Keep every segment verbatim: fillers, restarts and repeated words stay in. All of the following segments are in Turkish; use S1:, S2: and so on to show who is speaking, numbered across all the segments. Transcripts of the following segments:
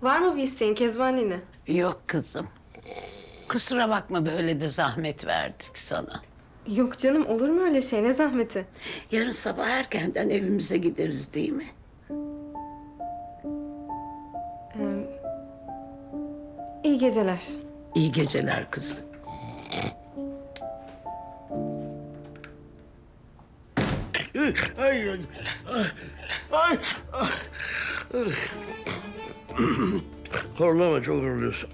S1: Var mı bir isteğin Kezban nene?
S2: Yok kızım. Kusura bakma böyle de zahmet verdik sana.
S1: Yok canım, olur mu öyle şey? Ne zahmeti?
S2: Yarın sabah erkenden evimize gideriz değil mi?
S1: Ee, iyi geceler.
S2: İyi geceler kızım.
S3: Ay, ay, ay, ay. Horlama, çok horluyorsun.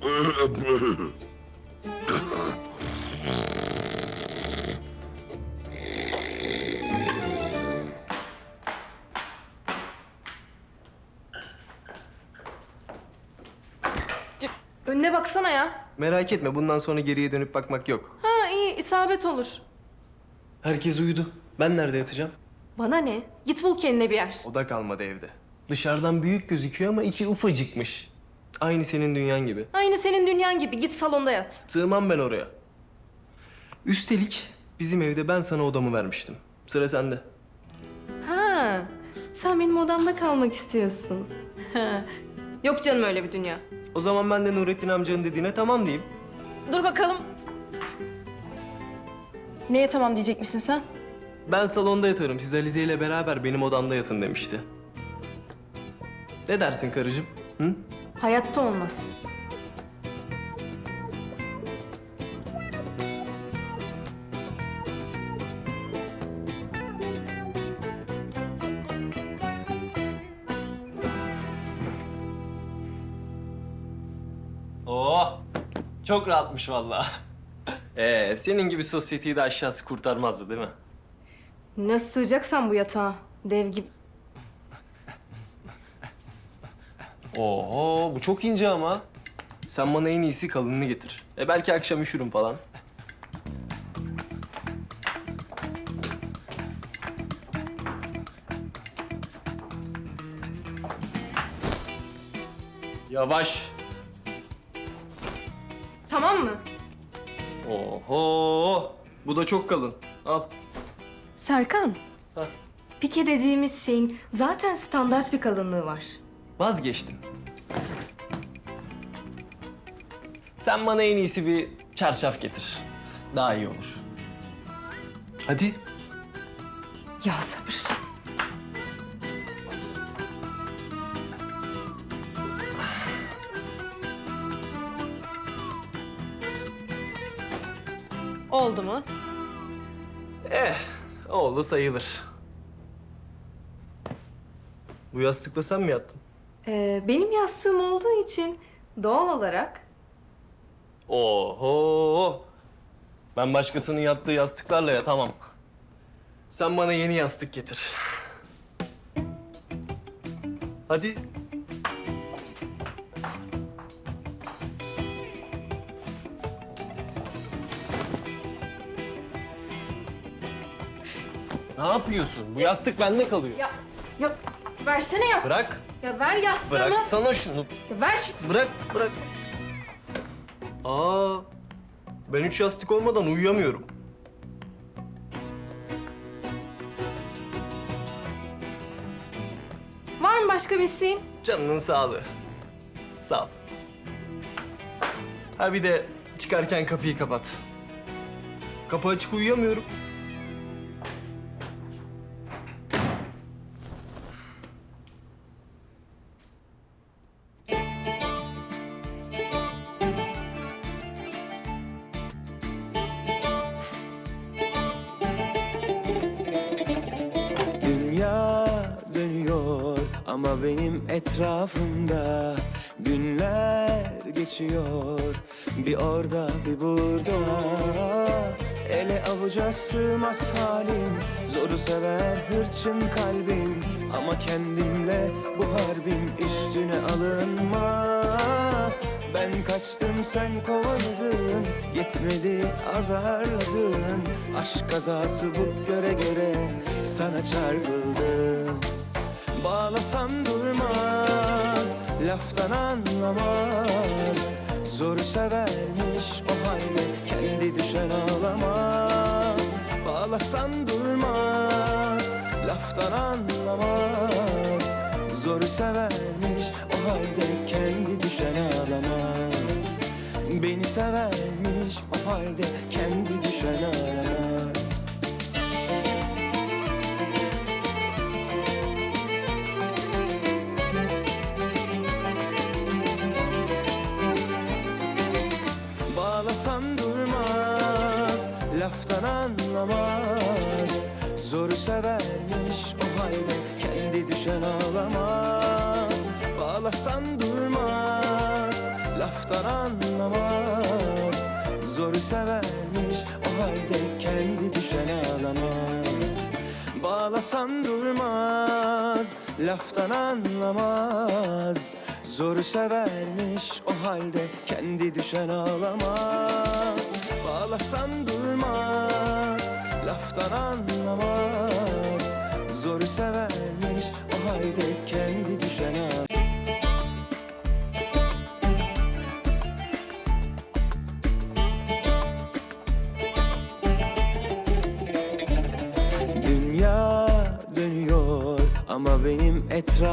S1: Önüne baksana ya.
S4: Merak etme, bundan sonra geriye dönüp bakmak yok.
S1: Ha iyi, isabet olur.
S4: Herkes uyudu. Ben nerede yatacağım?
S1: Bana ne? Git bul kendine bir yer.
S4: O da kalmadı evde. Dışarıdan büyük gözüküyor ama içi ufacıkmış. Aynı senin dünyan gibi.
S1: Aynı senin dünyan gibi. Git salonda yat.
S4: Sığmam ben oraya. Üstelik bizim evde ben sana odamı vermiştim. Sıra sende.
S1: Ha, sen benim odamda kalmak istiyorsun. Ha. Yok canım öyle bir dünya.
S4: O zaman ben de Nurettin amcanın dediğine tamam diyeyim.
S1: Dur bakalım. Neye tamam diyecek misin sen?
S4: Ben salonda yatarım. Siz Alize ile beraber benim odamda yatın demişti. Ne dersin karıcığım? Hı?
S1: Hayatta olmaz.
S4: Oh! Çok rahatmış vallahi. Ee, senin gibi sosyeteyi de aşağısı kurtarmazdı değil mi?
S1: Nasıl sığacaksan bu yatağa? Dev gibi.
S4: Oho, bu çok ince ama. Sen bana en iyisi kalınını getir. E belki akşam üşürüm falan. Yavaş.
S1: Tamam mı?
S4: Oho, bu da çok kalın. Al.
S1: Serkan.
S4: Hah.
S1: Pike dediğimiz şeyin zaten standart bir kalınlığı var.
S4: Vazgeçtim. Sen bana en iyisi bir çarşaf getir. Daha iyi olur. Hadi.
S1: Ya sabır. Oldu mu?
S4: Eh, oldu sayılır. Bu yastıkla sen mi yattın?
S1: Ee, benim yastığım olduğu için doğal olarak
S4: Oho! Ben başkasının yattığı yastıklarla yatamam. Sen bana yeni yastık getir. Hadi. Ne yapıyorsun? Bu yastık bende kalıyor.
S1: ya ya versene yastığı.
S4: Bırak.
S1: Ya ver yastığımı.
S4: Bıraksana şunu.
S1: Ya ver şu...
S4: Bırak, bırak. Aa, ben üç yastık olmadan uyuyamıyorum.
S1: Var mı başka bir isteğin?
S4: Canının sağlığı. Sağ ol. Ha bir de çıkarken kapıyı kapat. Kapı açık uyuyamıyorum.
S5: Dünya dönüyor ama benim etrafımda günler geçiyor. Bir orada bir burada, ele avuca sığmaz halim. Zoru sever hırçın kalbim ama kendimle bu harbim. Üstüne alınma, ben kaçtım sen kovaladın. Yetmedi azarladın. Aşk kazası bu göre göre sana çarpıldım. Bağlasan durmaz, laftan anlamaz. Zoru severmiş o halde kendi düşen ağlamaz. Bağlasan durmaz, laftan anlamaz. Zoru severmiş o halde kendi düşen ağlamaz. Beni severmiş, o halde kendi düşen ağlamaz. Bağlasan durmaz, laftan anlamaz. Zoru severmiş, o halde kendi düşen ağlamaz. Bağlasan durmaz, laftan anlamaz. Zoru severmiş, o halde kendi düşen ağlamaz. Bağlasan durmaz, laftan anlamaz. Zoru severmiş, o halde kendi düşen ağlamaz. Bağlasan durmaz, laftan anlamaz. Zoru severmiş, o halde kendi düşen ağlamaz. Dünya dönüyor ama benim etrafım